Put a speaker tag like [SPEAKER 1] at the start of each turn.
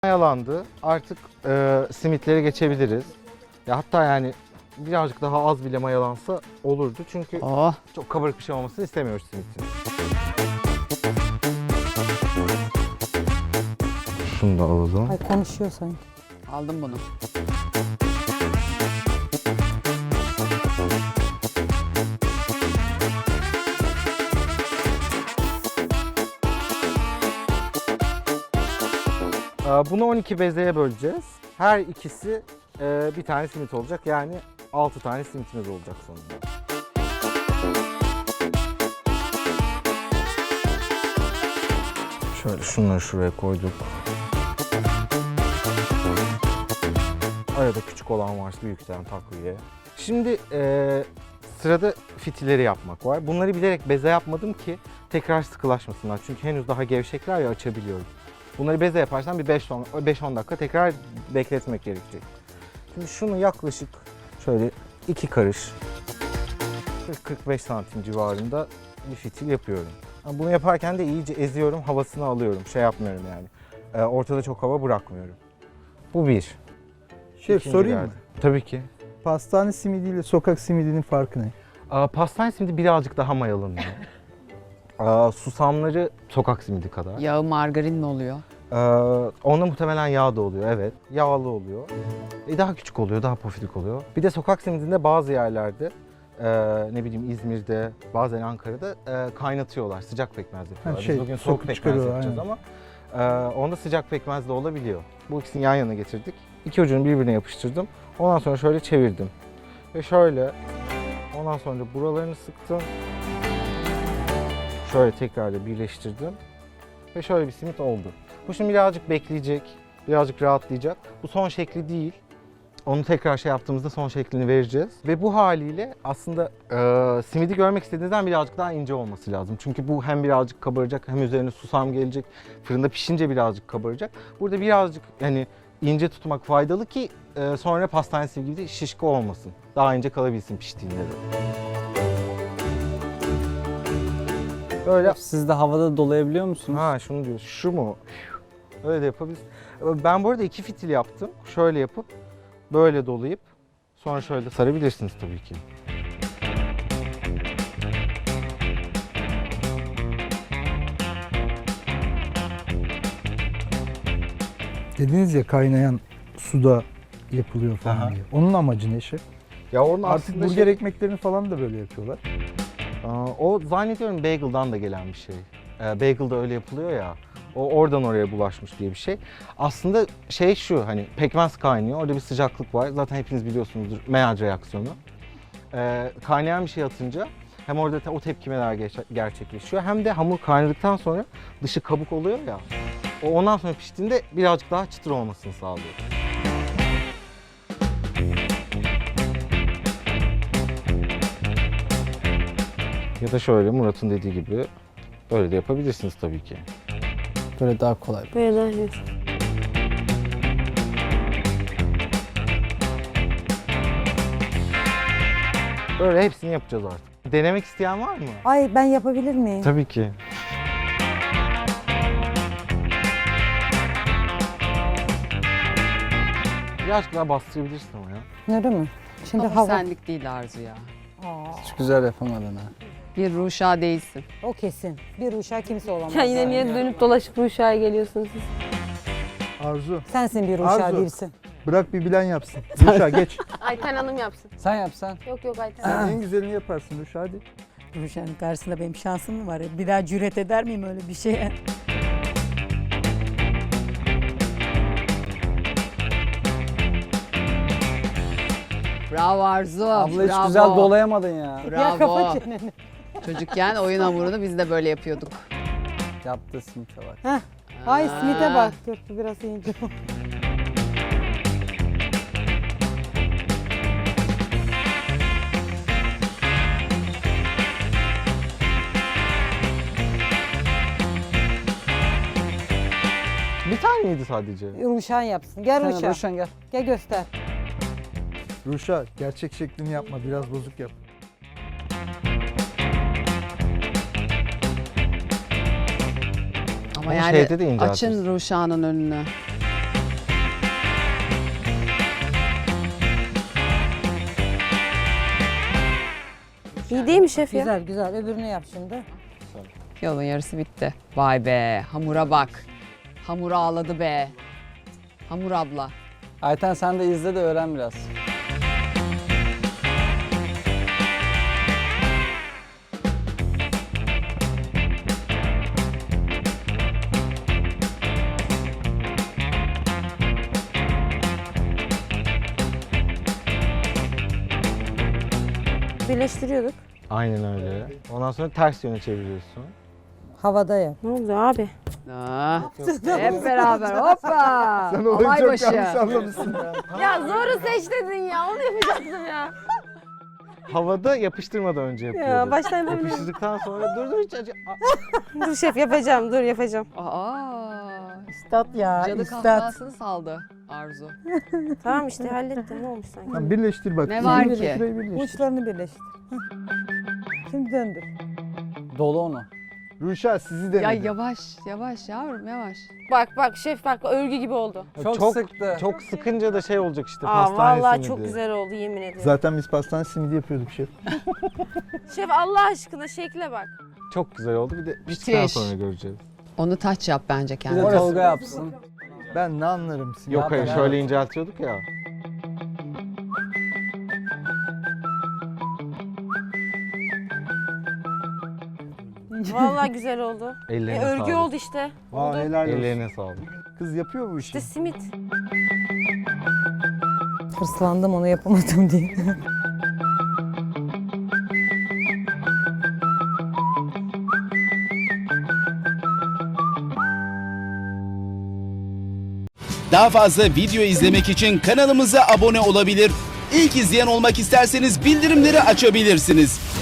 [SPEAKER 1] Mayalandı. Artık simitlere geçebiliriz. Ya hatta yani birazcık daha az bile mayalansa olurdu. Çünkü çok kabarık bir şey olmasını istemiyoruz simitin. Şunu da alalım.
[SPEAKER 2] Ay konuşuyor sanki.
[SPEAKER 3] Aldım bunu.
[SPEAKER 1] Bunu 12 bezeye böleceğiz. Her ikisi bir tane simit olacak. Yani 6 tane simitimiz olacak sonunda. Şöyle şunları şuraya koyduk. Arada küçük olan varsa büyükten takviye. Şimdi sırada fitilleri yapmak var. Bunları bilerek beze yapmadım ki tekrar sıkılaşmasınlar. Çünkü henüz daha gevşekler ya, açabiliyorum. Bunları beze yaparsan bir 5-10 dakika tekrar bekletmek gerekecek. Şimdi şunu yaklaşık şöyle 2 karış 40-45 santim civarında bir fitil yapıyorum. Bunu yaparken de iyice eziyorum, havasını alıyorum. Şey yapmıyorum yani. Ortada çok hava bırakmıyorum. Bu bir.
[SPEAKER 4] Şef
[SPEAKER 1] İkinci
[SPEAKER 4] sorayım mı?
[SPEAKER 1] geldi. Tabii ki.
[SPEAKER 4] Pastane simidiyle sokak simidinin farkı ne?
[SPEAKER 1] Pastane simidi birazcık daha mayalanıyor. Susamları sokak simidi kadar.
[SPEAKER 3] Yağı margarin mi oluyor?
[SPEAKER 1] Onda muhtemelen yağ da oluyor, evet. Yağlı oluyor. Daha küçük oluyor, daha pofidik oluyor. Bir de sokak simidinde bazı yerlerde, ne bileyim İzmir'de, bazen Ankara'da kaynatıyorlar. Sıcak pekmez yapıyorlar. Biz bugün soğuk pekmez yapacağız ama onda sıcak pekmez de olabiliyor. Bu ikisini yan yana getirdik. İki ucunu birbirine yapıştırdım. Ondan sonra şöyle çevirdim. Ve şöyle, ondan sonra buralarını sıktım. Şöyle tekrar da birleştirdim. Ve şöyle bir simit oldu. Bu şimdi birazcık bekleyecek, birazcık rahatlayacak. Bu son şekli değil. Onu tekrar şey yaptığımızda son şeklini vereceğiz. Ve bu haliyle aslında simidi görmek istediğinizden birazcık daha ince olması lazım. Çünkü bu hem birazcık kabaracak, hem üzerine susam gelecek. Fırında pişince birazcık kabaracak. Burada birazcık yani ince tutmak faydalı ki sonra pastane simidi gibi şişko olmasın. Daha ince kalabilsin piştiğinde de. Böyle.
[SPEAKER 5] Siz de havada dolayabiliyor musunuz?
[SPEAKER 1] Ha şunu diyor. Şu mu? Öyle de yapabiliriz. Ben bu arada 2 fitil yaptım. Şöyle yapıp böyle dolayıp sonra şöyle de sarabilirsiniz tabii ki.
[SPEAKER 4] Dediniz ya kaynayan suda yapılıyor falan
[SPEAKER 1] Aha.
[SPEAKER 4] diye. Onun amacı ne şef?
[SPEAKER 1] Ya onun
[SPEAKER 4] Artık
[SPEAKER 1] aslında
[SPEAKER 4] burger ekmeklerini falan da böyle yapıyorlar.
[SPEAKER 1] o zannediyorum bagel'dan da gelen bir şey. Bagel'da öyle yapılıyor ya. O oradan oraya bulaşmış diye bir şey. Aslında şey şu, hani pekmez kaynıyor. Orada bir sıcaklık var. Zaten hepiniz biliyorsunuzdur, Maillard reaksiyonu. Kaynayan bir şey atınca hem orada o tepkimeler gerçekleşiyor, hem de hamur kaynadıktan sonra dışı kabuk oluyor ya. O ondan sonra piştiğinde birazcık daha çıtır olmasını sağlıyor. Ya da şöyle Murat'ın dediği gibi böyle de yapabilirsiniz tabii ki.
[SPEAKER 5] Böyle daha kolay.
[SPEAKER 2] Böyle daha iyi.
[SPEAKER 1] Böyle hepsini yapacağız artık. Denemek isteyen var mı?
[SPEAKER 2] Ay ben yapabilir miyim?
[SPEAKER 1] Tabii ki. Birazcık daha bastırabilirsin ama ya.
[SPEAKER 2] Öyle mi? Şimdi
[SPEAKER 3] Ama
[SPEAKER 2] hava.
[SPEAKER 3] senlik değil Arzu ya.
[SPEAKER 5] Hiç güzel yapamadın ha.
[SPEAKER 3] Bir Ruşa değilsin.
[SPEAKER 2] O kesin. Bir uşağı kimse olamaz.
[SPEAKER 6] Ya yine niye dönüp dolaşıp bu uşağa geliyorsunuz siz?
[SPEAKER 4] Arzu
[SPEAKER 2] Sensin bir uşağı
[SPEAKER 4] Arzu.
[SPEAKER 2] değilsin.
[SPEAKER 4] bırak bir bilen yapsın. Ruşa geç.
[SPEAKER 6] Ayten Hanım yapsın.
[SPEAKER 5] Sen yapsan.
[SPEAKER 6] Yok Ayten
[SPEAKER 4] Sen
[SPEAKER 6] Hanım.
[SPEAKER 4] en güzelini yaparsın Ruşa hadi.
[SPEAKER 2] Ruşa'nın karşısında benim şansım mı var? Bir daha cüret eder miyim öyle bir şeye?
[SPEAKER 3] Bravo Arzu.
[SPEAKER 5] Abla hiç
[SPEAKER 3] bravo.
[SPEAKER 5] güzel dolayamadın ya.
[SPEAKER 2] Ya
[SPEAKER 3] Bravo.
[SPEAKER 2] kafa çeneni.
[SPEAKER 3] Çocukken oyun hamurunu biz de böyle yapıyorduk.
[SPEAKER 5] Yaptı simite bak.
[SPEAKER 2] Ay simite bak. Dur biraz ince.
[SPEAKER 1] Bir tane miydi sadece?
[SPEAKER 2] Ruşan yapsın. Gel
[SPEAKER 5] Sen
[SPEAKER 2] Ruşa.
[SPEAKER 5] Ruşen gel.
[SPEAKER 2] Gel göster.
[SPEAKER 4] Ruşa gerçek şeklini yapma, biraz bozuk yap.
[SPEAKER 3] Ama
[SPEAKER 1] Ama
[SPEAKER 3] yani
[SPEAKER 1] şeyde de inceltirsin.
[SPEAKER 3] açın Ruşa'nın önünü.
[SPEAKER 6] İyi değil mi şef ya?
[SPEAKER 2] Güzel güzel. Öbürünü yap şimdi.
[SPEAKER 3] Yolun yarısı bitti. Vay be, hamura bak. Hamur ağladı be. Hamur abla.
[SPEAKER 5] Ayten sen de izle de öğren biraz.
[SPEAKER 6] Birleştiriyorduk.
[SPEAKER 1] Aynen öyle. Ondan sonra ters yöne çeviriyorsun.
[SPEAKER 2] Havada yap.
[SPEAKER 6] Ne oldu abi?
[SPEAKER 3] Ah, hep beraber hoppa.
[SPEAKER 4] Sen olayı
[SPEAKER 3] Olay
[SPEAKER 4] çok
[SPEAKER 3] başı.
[SPEAKER 4] yanlış anlamışsın.
[SPEAKER 6] Ya zoru seç dedin ya. Onu yapacaktım ya.
[SPEAKER 1] Havada yapıştırmadan önce yapıyorduk.
[SPEAKER 6] Baştan yapabilirim.
[SPEAKER 1] Yapıştırdıktan sonra dur hiç acı.
[SPEAKER 6] Dur şef yapacağım. Dur yapacağım.
[SPEAKER 3] Aa,
[SPEAKER 2] Üstad ya.
[SPEAKER 3] cadı
[SPEAKER 2] Üstad.
[SPEAKER 3] kahkahasını saldı Arzu.
[SPEAKER 6] Tamam işte hallettim. Ne olmuş sanki?
[SPEAKER 4] Tamam, birleştir bak.
[SPEAKER 3] Ne var ki?
[SPEAKER 4] Şurayı birleştir.
[SPEAKER 2] Uçlarını birleştir. Heh. Şimdi döndür.
[SPEAKER 5] Dolu onu.
[SPEAKER 4] Ruşa sizi denedim.
[SPEAKER 3] Ya yavaş yavaş yavrum yavaş.
[SPEAKER 6] Bak şef bak örgü gibi oldu.
[SPEAKER 5] Çok sıktı.
[SPEAKER 1] Çok sıkınca da şey olacak işte
[SPEAKER 6] Aa
[SPEAKER 1] pastane
[SPEAKER 6] vallahi
[SPEAKER 1] simidi.
[SPEAKER 6] çok güzel oldu yemin ederim.
[SPEAKER 4] Zaten biz pastane simidi yapıyorduk şef.
[SPEAKER 6] Şef Allah aşkına şekle bak.
[SPEAKER 1] Çok güzel oldu. Bir de piştikten
[SPEAKER 3] Müthiş.
[SPEAKER 1] sonra göreceğiz.
[SPEAKER 3] Onu taç yap bence
[SPEAKER 5] Bir de
[SPEAKER 3] kendine.
[SPEAKER 5] Tolga yapsın.
[SPEAKER 4] Ben ne anlarım simidi.
[SPEAKER 1] Yok hayır
[SPEAKER 5] ben-
[SPEAKER 1] şöyle inceltiyorduk ya.
[SPEAKER 6] Vallahi güzel oldu.
[SPEAKER 1] Ellerine
[SPEAKER 6] Örgü
[SPEAKER 1] sağlık.
[SPEAKER 6] oldu işte.
[SPEAKER 4] Aa, helal olsun.
[SPEAKER 1] Ellerine sağlık.
[SPEAKER 4] Kız yapıyor bu işi.
[SPEAKER 6] İşte simit.
[SPEAKER 2] Hırslandım onu yapamadım diye.
[SPEAKER 7] Daha fazla video izlemek için kanalımıza abone olabilir. İlk izleyen olmak isterseniz bildirimleri açabilirsiniz.